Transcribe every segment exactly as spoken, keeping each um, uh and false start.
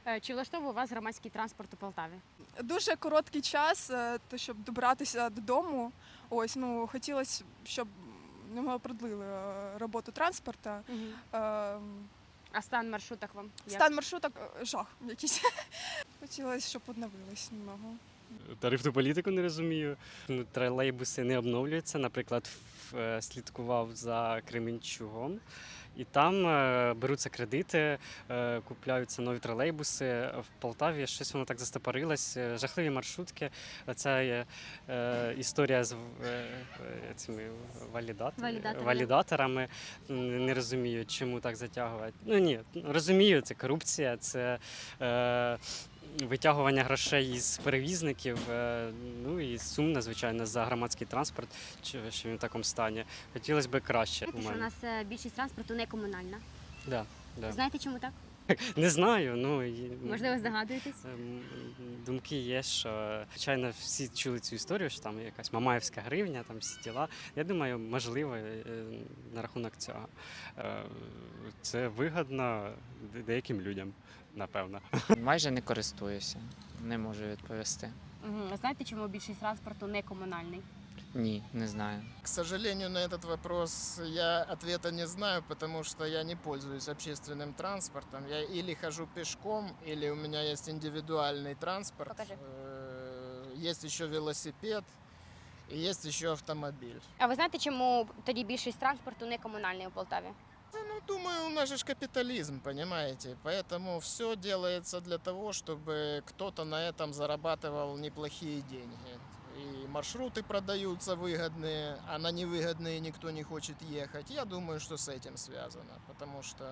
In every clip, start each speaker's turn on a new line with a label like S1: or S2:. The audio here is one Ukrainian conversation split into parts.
S1: Е, Чи влаштовує вас громадський транспорт у Полтаві?
S2: Дуже короткий час, е, то щоб добратися додому. Ось, ну, хотілося, щоб ми продлили е, роботу транспорту.
S1: Мгм.
S2: Е,
S1: А стан маршруток вам? як?
S2: Стан маршруток е, жах якийсь. Хотілося, щоб відновилось немного.
S3: Тарифну політику не розумію. Ну, тролейбуси не обновлюються. Наприклад, в- е, слідкував за Кременчугом, і там е, беруться кредити, е, купляються нові тролейбуси. В Полтаві щось воно так застопорилось. е, Жахливі маршрутки. Оця є, е, історія з е, е, цими валідат...
S1: Валідаторами.
S3: валідаторами. М, Не розумію, чому так затягувати. Ну ні, розумію, це корупція, це. Е, Витягування грошей із перевізників, е, ну і сумно, звичайно, за громадський транспорт, чи- що він в такому стані. Хотілося б краще.
S1: Знаєте,
S3: у
S1: що у
S3: мене.
S1: нас е, більшість транспорту не комунальна.
S3: Да, да.
S1: Знаєте, чому так?
S3: Не знаю, ну і,
S1: Можливо, здогадуєтесь?
S3: ем, думки є, що звичайно всі чули цю історію, що там якась мамаївська гривня, там всі діла. Я думаю, можливо, е, на рахунок цього. Е, Це вигідно де- деяким людям, напевно.
S4: Майже не користуюся, не можу відповісти.
S1: Угу. Знаєте, чому більшість транспорту не комунальний?
S4: Ні, не знаю.
S5: К сожалению, на этот вопрос я ответа не знаю, потому что я не пользуюсь общественным транспортом. Я или хожу пешком, или у меня есть индивидуальный транспорт.
S1: Покажи.
S5: Э, Есть еще велосипед и есть еще автомобиль.
S1: А ви знаєте, чому тоді більшість транспорту не комунальний у Полтаві?
S5: Ну, думаю, у нас же ж капитализм, понимаете? Поэтому все делается для того, чтобы кто-то на этом зарабатывал неплохие деньги. И маршруты продаются выгодные, а на невыгодные никто не хочет ехать. Я думаю, что с этим связано, потому что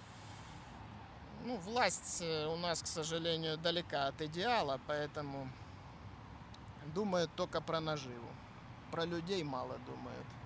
S5: ну, власть э, у нас, к сожалению, далека от идеала, поэтому думают только про наживу. Про людей мало думают.